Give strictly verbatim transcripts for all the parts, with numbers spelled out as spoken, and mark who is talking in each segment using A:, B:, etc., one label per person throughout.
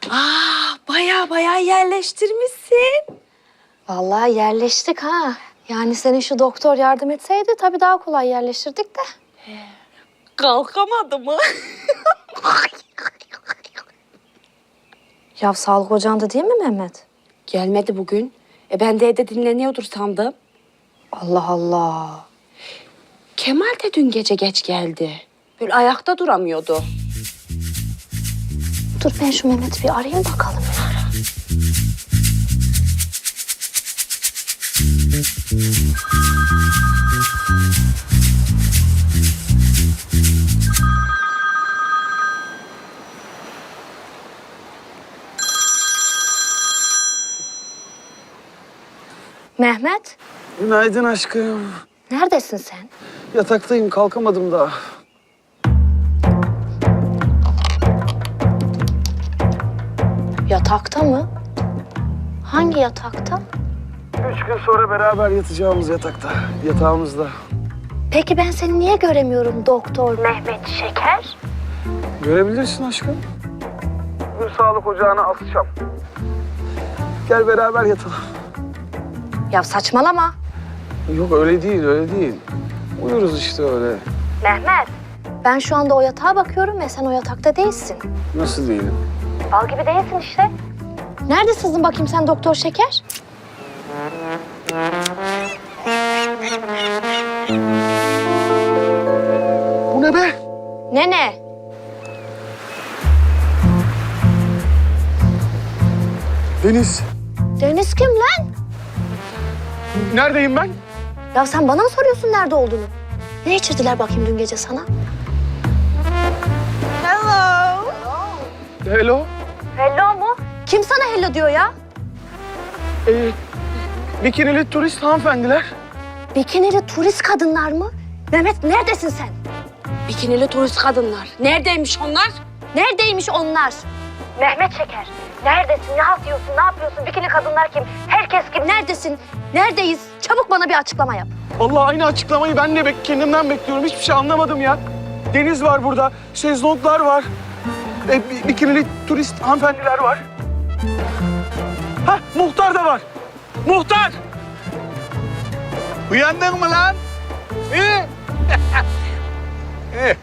A: Aa, baya baya yerleştirmişsin.
B: Vallahi yerleştik ha. Yani senin şu doktor yardım etseydi tabii daha kolay yerleştirdik de.
A: Kalkamadı mı?
B: Ya sağlık ocağında değil mi Mehmet?
A: Gelmedi bugün. E ben de evde dinleniyordur sandım.
B: Allah Allah.
A: Kemal de dün gece geç geldi. Böyle ayakta duramıyordu.
B: Dur ben şu Mehmet'i bir arayayım bakalım. Mehmet,
C: Günaydın aşkım.
B: neredesin sen?
C: Yataktayım, kalkamadım daha.
B: Yatakta mı? Hangi yatakta?
C: Üç gün sonra beraber yatacağımız yatakta, yatağımızda.
B: Peki ben seni niye göremiyorum Doktor Mehmet Şeker?
C: Görebilirsin aşkım. Bir sağlık ocağına asacağım. Gel beraber yatalım.
B: Ya saçmalama.
C: Yok öyle değil, öyle değil. Uyuruz işte öyle.
B: Mehmet. Ben şu anda o yatağa bakıyorum ve sen o yatakta değilsin.
C: Nasıl değilim?
B: Bal gibi değilsin işte. Nerede sızdın bakayım sen Doktor Şeker?
C: Bu ne be?
B: Ne ne?
C: Deniz.
B: Deniz kim lan?
C: Neredeyim ben?
B: Ya sen bana mı soruyorsun nerede olduğunu? Ne içirdiler bakayım dün gece sana?
C: Hello.
B: Hello mu? Kim sana hello diyor ya?
C: Ee, bikinili turist hanımefendiler.
B: Bikinili turist kadınlar mı? Mehmet neredesin sen?
A: Bikinili turist kadınlar. Neredeymiş onlar?
B: Neredeymiş onlar? Mehmet Şeker. Neredesin? Ne yapıyorsun? Ne yapıyorsun? Bikini kadınlar kim? Herkes kim? Neredesin? Neredeyiz? Çabuk bana bir açıklama yap.
C: Vallahi aynı açıklamayı ben de bek kendimden bekliyorum. Hiçbir şey anlamadım ya. Deniz var burada, şezlonglar var. E, bi- bikinili turist hanımefendiler var. Hah, muhtar da var. Muhtar!
D: Uyandın mı lan? İyi. İyi.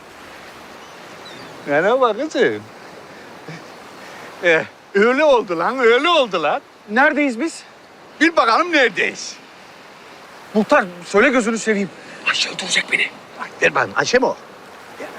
D: Merhaba kızım. Eh, öyle oldu lan, öyle oldu lan.
C: Neredeyiz biz?
D: Bir bakalım neredeyiz?
C: Muhtar, söyle gözünü seveyim.
D: Ayşe öldürecek beni. Bak, ver bana, Ayşe mi o? Gel.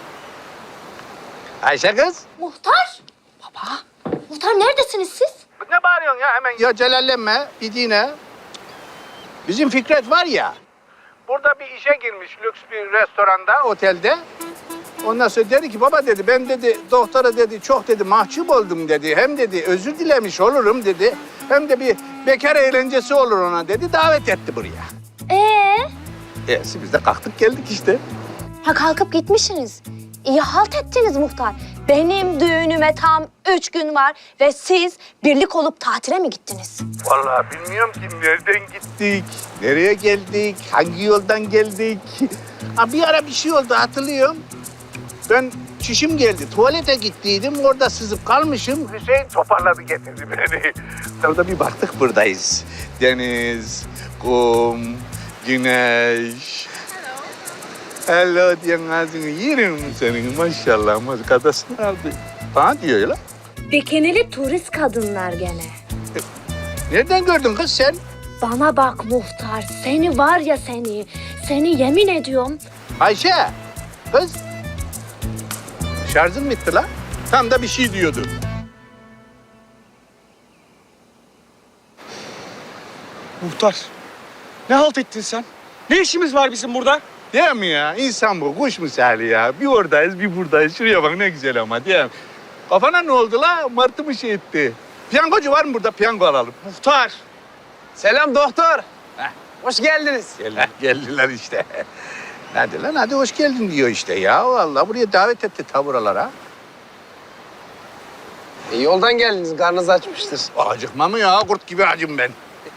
D: Ayşe kız.
B: Muhtar? Baba. Muhtar neredesiniz siz?
D: Ne bağırıyorsun ya hemen? Ya celallenme, gidine. Bizim Fikret var ya, burada bir işe girmiş lüks bir restoranda, otelde. Ondan sonra dedi ki baba dedi ben dedi doktora dedi çok dedi mahcup oldum dedi. Hem dedi özür dilemiş olurum dedi. Hem de bir bekar eğlencesi olur ona dedi. Davet etti buraya.
B: Ee?
D: E, biz de kalktık geldik işte.
B: Ha kalkıp gitmişsiniz. İyi halt ettiniz muhtar. Benim düğünüme tam üç gün var ve siz birlik olup tatile mi gittiniz?
D: Vallahi bilmiyorum ki nereden gittik, nereye geldik, hangi yoldan geldik. Ha, bir ara bir şey oldu hatırlıyorum. Ben çişim geldi, tuvalete gittiydim, orada sızıp kalmışım. Hüseyin toparladı getirdi beni. Sonra bir baktık buradayız. Deniz, kum, güneş. Hello diyen ağzını yerim senin maşallah. Kadasını aldı. Bana diyor ya lan.
B: Bikinili turist kadınlar gene.
D: Nereden gördün kız sen?
B: Bana bak muhtar, seni var ya seni. Seni yemin ediyorum.
D: Ayşe, kız. Şarjın bitti lan. Tam da bir şey diyordu.
C: Muhtar, ne halt ettin sen? Ne işimiz var bizim burada?
D: Değil mi ya? İnsan bu, kuş misali ya. Bir oradayız, bir buradayız. Şuraya bak ne güzel ama değil mi? Kafana ne oldu la? Martı mı şey etti? Piyangocu var mı burada? Piyango alalım.
C: Muhtar.
E: Selam doktor. Hoş geldiniz.
D: Gel, geldiler işte. Hadi lan, hadi hoş geldin diyor işte ya. Vallahi buraya davet etti ta buralara.
E: E, yoldan geldiniz, karnınız açmıştır.
D: Acıkma mı ya? Kurt gibi acım ben.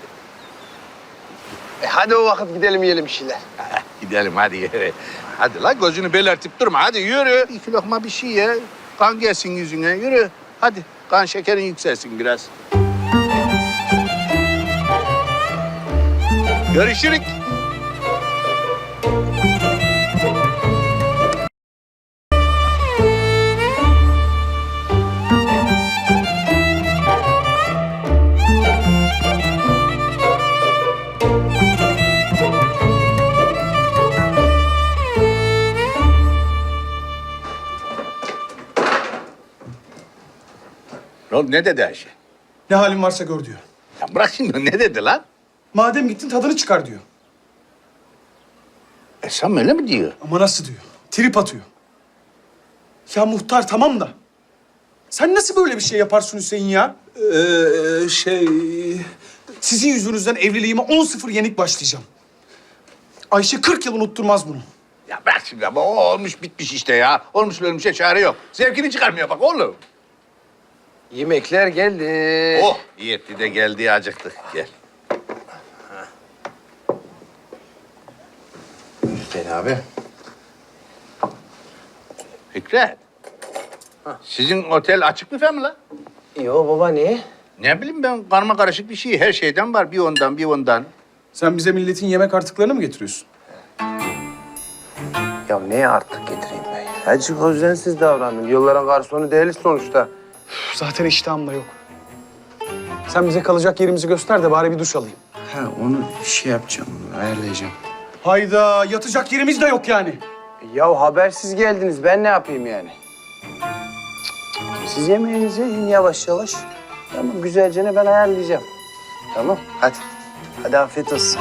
E: E, hadi o vakit gidelim yiyelim bir şeyler.
D: Gidelim hadi yürü. Hadi la gözünü belertip durma. Hadi yürü. İki lokma bir şey ye. Kan gelsin yüzüne. Yürü. Hadi kan şekerin yükselsin biraz. Görüşürük. Ne oldu, ne dedi Ayşe?
C: Ne halin varsa gör diyor.
D: Ya bırak şimdi, ne dedi lan?
C: Madem gittin tadını çıkar diyor.
D: Esam öyle mi diyor?
C: Ama nasıl diyor? Trip atıyor. Ya muhtar tamam da. Sen nasıl böyle bir şey yaparsın Hüseyin ya? Ee, şey... Sizin yüzünüzden evliliğime on sıfır yenik başlayacağım. Ayşe kırk yıl unutturmaz bunu.
D: Ya bırak şimdi ama o olmuş bitmiş işte ya. Olmuş ölmüşe çare yok. Zevkini çıkarmıyor bak oğlum.
E: Yemekler geldi.
D: Oh iyi etti de geldi, acıktık. Gel.
E: Hüseyin abi.
D: Fikret. Sizin otel açık büfe mi lan?
E: Yo baba niye?
D: Ne bileyim ben, karma karışık bir şey. Her şeyden var. Bir ondan, bir ondan.
C: Sen bize milletin yemek artıklarını mı getiriyorsun?
E: Ya neye artık getireyim ben ya? Azıcık özensiz davrandım. Yılların garsonu değiliz sonuçta.
C: Zaten iştahım da yok. Sen bize kalacak yerimizi göster de bari bir duş alayım.
F: Ha onu şey yapacağım, ayarlayacağım.
C: Hayda, yatacak yerimiz de yok yani.
E: Ya habersiz geldiniz. Ben ne yapayım yani? Siz yemeğinizi yiyin yavaş yavaş. Tamam güzelce ne ben ayarlayacağım. Tamam hadi. Hadi afiyet olsun.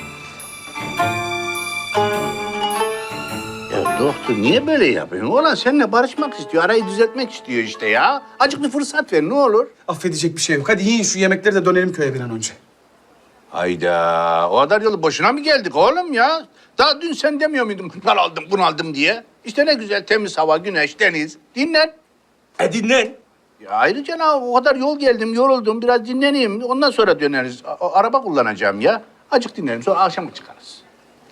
D: Ya doktor niye böyle yapıyorsun? Oğlan seninle barışmak istiyor. Arayı düzeltmek istiyor işte ya. Acık bir fırsat ver ne olur.
C: Affedecek bir şey yok. Hadi yiyin şu yemekleri de dönelim köye bir an önce.
D: Hayda. O kadar yolu boşuna mı geldik oğlum ya? Daha dün sen demiyor muydun bunal aldım, bunaldım diye? İşte ne güzel temiz hava, güneş, deniz. Dinlen.
C: E dinlen.
D: Ya ayrıca ne, o kadar yol geldim, yoruldum. Biraz dinleneyim. Ondan sonra döneriz. A- araba kullanacağım ya. Acık dinlerim. Sonra akşam çıkarız.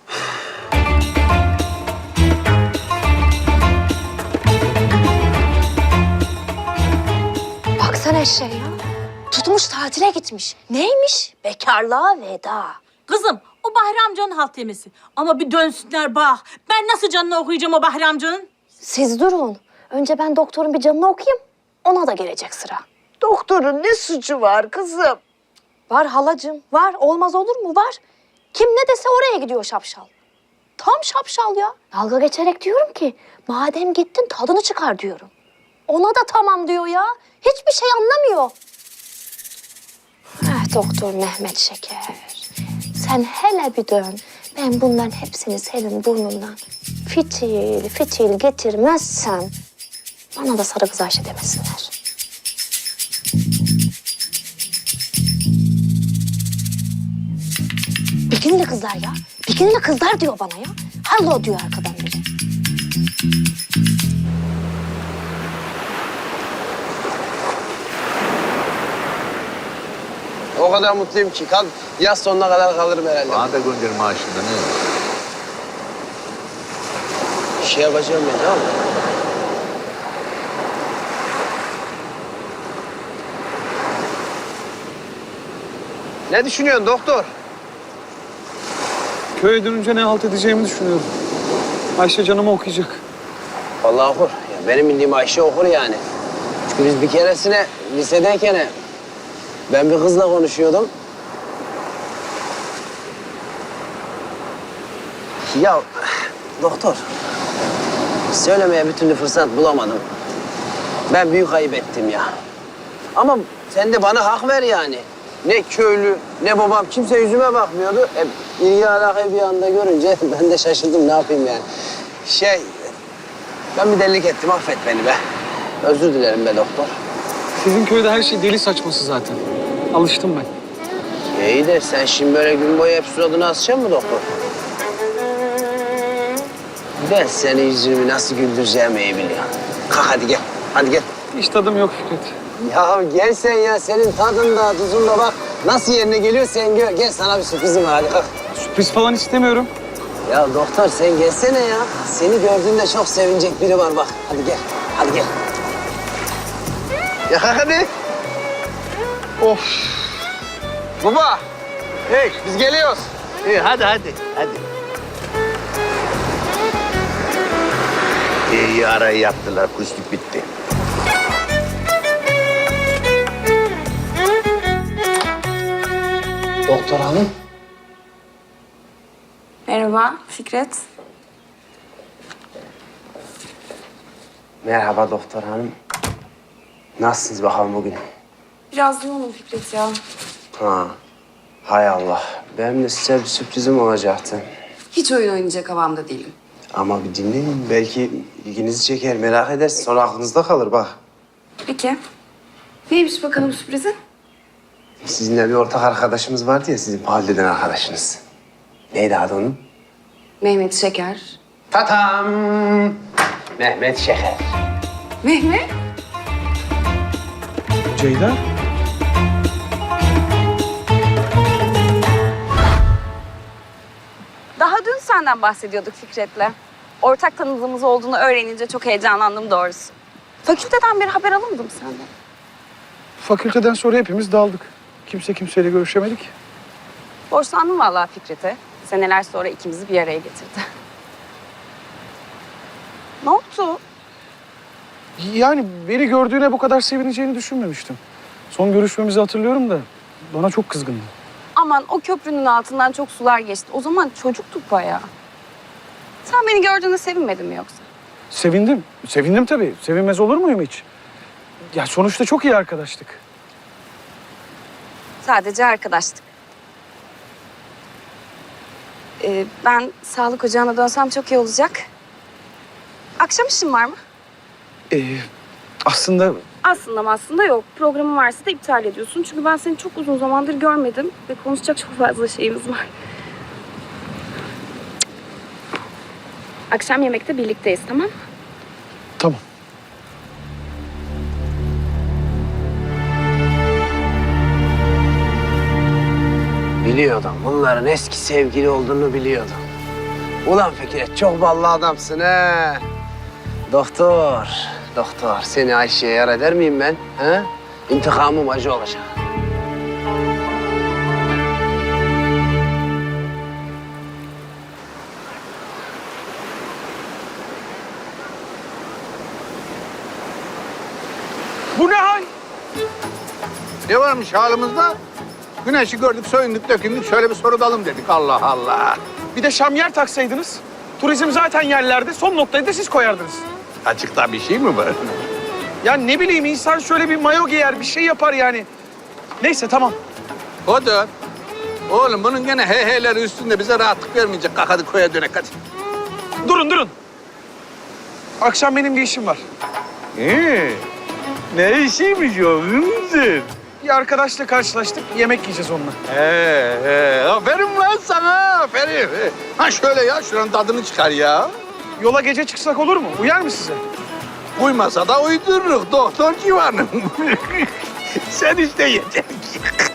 B: Baksana eşeğe ya. Tutmuş tatile gitmiş. Neymiş? Bekarlığa veda.
G: Kızım o Bahri amcanın halt yemesi. Ama bir dönsünler bak. Ben nasıl canını okuyacağım o Bahri amcanın?
B: Siz durun. Önce ben doktorun bir canını okuyayım. Ona da gelecek sıra.
H: Doktorun ne suçu var kızım?
B: Var halacığım, var. Olmaz olur mu? Var. Kim ne dese oraya gidiyor şapşal. Tam şapşal ya. Dalga geçerek diyorum ki, madem gittin tadını çıkar diyorum. Ona da tamam diyor ya. Hiçbir şey anlamıyor. Eh doktor Mehmet Şeker. Sen hele bir dön. Ben bunların hepsini senin burnundan fitil fitil getirmezsem bana da sarı kız Ayşe demesinler. Bikinili kızlar ya. Bikinili kızlar diyor bana ya. Hallo diyor arkadan biri.
E: O kadar mutluyum ki. Kal, yaz sonuna kadar kalırım herhalde.
D: Bana da gönder maaşından.
E: Bir şey yapacağım ben tamam mı? Ne düşünüyorsun doktor?
C: Köye dönünce ne halt edeceğimi düşünüyorum. Ayşe canımı okuyacak.
E: Vallahi okur. Ya benim bildiğim Ayşe okur yani. Çünkü biz bir keresine lisedeyken ben bir kızla konuşuyordum. Ya doktor, söylemeye bir türlü fırsat bulamadım. Ben büyük ayıp ettim ya. Ama sen de bana hak ver yani. Ne köylü, ne babam, kimse yüzüme bakmıyordu. E, ilgi alakayı bir anda görünce ben de şaşırdım, ne yapayım yani. Şey, ben bir delilik ettim, affet beni be. Özür dilerim be doktor.
C: Sizin köyde her şey deli saçması zaten. Alıştım ben.
E: İyi de sen şimdi böyle gün boyu hep suratını asacaksın mı doktor? Ben senin yüzünü nasıl güldüreceğimi iyi biliyorum. Kalk hadi gel, hadi gel.
C: Hiç tadım yok Fikret.
E: Ya gel sen ya, senin tadın da tuzun da bak. Nasıl yerine geliyor sen gör. Gel sana bir sürprizim var, hadi kalk.
C: Sürpriz falan istemiyorum.
E: Ya doktor sen gelsene ya. Seni gördüğümde çok sevinecek biri var bak. Hadi gel, hadi gel.
D: Ya hadi.
C: Of.
E: Baba. Hey biz geliyoruz.
D: İyi hadi hadi hadi. İyi arayı yaptılar. Kuşluk bitti.
E: Doktor hanım.
A: Merhaba Fikret.
E: Merhaba doktor hanım. Nasılsınız bakalım bugün?
A: Biraz yoğunum Fikret ya.
E: Ha. Hay Allah. Benim de size bir sürprizim olacaktı.
A: Hiç oyun oynayacak havamda değilim.
E: Ama bir dinleyin. Belki ilginizi çeker, merak edersiniz. Sonra aklınızda kalır bak.
A: Peki. Neymiş bakalım sürprizin?
E: Sizinle bir ortak arkadaşımız vardı ya, sizin mahalleden arkadaşınız. Neydi adı onun?
A: Mehmet Şeker.
E: Tatam! Mehmet Şeker.
A: Mehmet?
C: Ceyda?
I: Daha dün senden bahsediyorduk Fikret'le. Ortak tanıdığımız olduğunu öğrenince çok heyecanlandım doğrusu. Fakülteden bir haber alamadım senden.
C: Fakülteden sonra hepimiz daldık. Kimse kimseyle görüşemedik.
I: Borçlandım vallahi Fikret'e. Seneler sonra ikimizi bir araya getirdi. Ne oldu?
C: Yani beni gördüğüne bu kadar sevineceğini düşünmemiştim. Son görüşmemizi hatırlıyorum da bana çok kızgındı.
I: Aman o köprünün altından çok sular geçti. O zaman çocuktuk bayağı. Sen beni gördüğünde sevinmedin mi yoksa?
C: Sevindim. Sevindim tabii. Sevinmez olur muyum hiç? Ya sonuçta çok iyi arkadaştık.
I: Sadece arkadaştık. Ee, ben sağlık ocağına dönsem çok iyi olacak. Akşam işin var mı?
C: Ee, aslında
I: Aslında aslında yok. Programın varsa da iptal ediyorsun. Çünkü ben seni çok uzun zamandır görmedim. Ve konuşacak çok fazla şeyimiz var. Akşam yemekte birlikteyiz, tamam mı?
C: tamam.
E: Biliyordum. Bunların eski sevgili olduğunu biliyordum. Ulan Fikret, çok ballı adamsın he. Doktor, doktor. Seni Ayşe'ye yar eder miyim ben? He? İntikamım acı olacak.
C: Bu ne hal?
D: Ne varmış halimizde? Güneşi gördük, soyunduk, dökündük. Şöyle bir sorudalım dedik. Allah Allah.
C: Bir de şamyer taksaydınız. Turizm zaten yerlerde. Son noktayı da siz koyardınız.
D: Açıkta bir şey mi var?
C: Ya ne bileyim insan şöyle bir mayo giyer, bir şey yapar yani. Neyse tamam.
D: Odur. Oğlum bunun gene he he'leri üstünde bize rahatlık vermeyecek. Kalk hadi koya dönek hadi.
C: Durun durun. Akşam benim bir işim var.
D: Ee, ne işiymiş o hınzır?
C: Bir arkadaşla karşılaştık. Yemek yiyeceğiz onunla.
D: He he. Aferin lan sana. Aferin. Ha şöyle ya şuranın tadını çıkar ya.
C: Yola gece çıksak olur mu? Uyar mı size?
D: Uymasa da uydururuz doktor civanım. Sen işte yeter ki.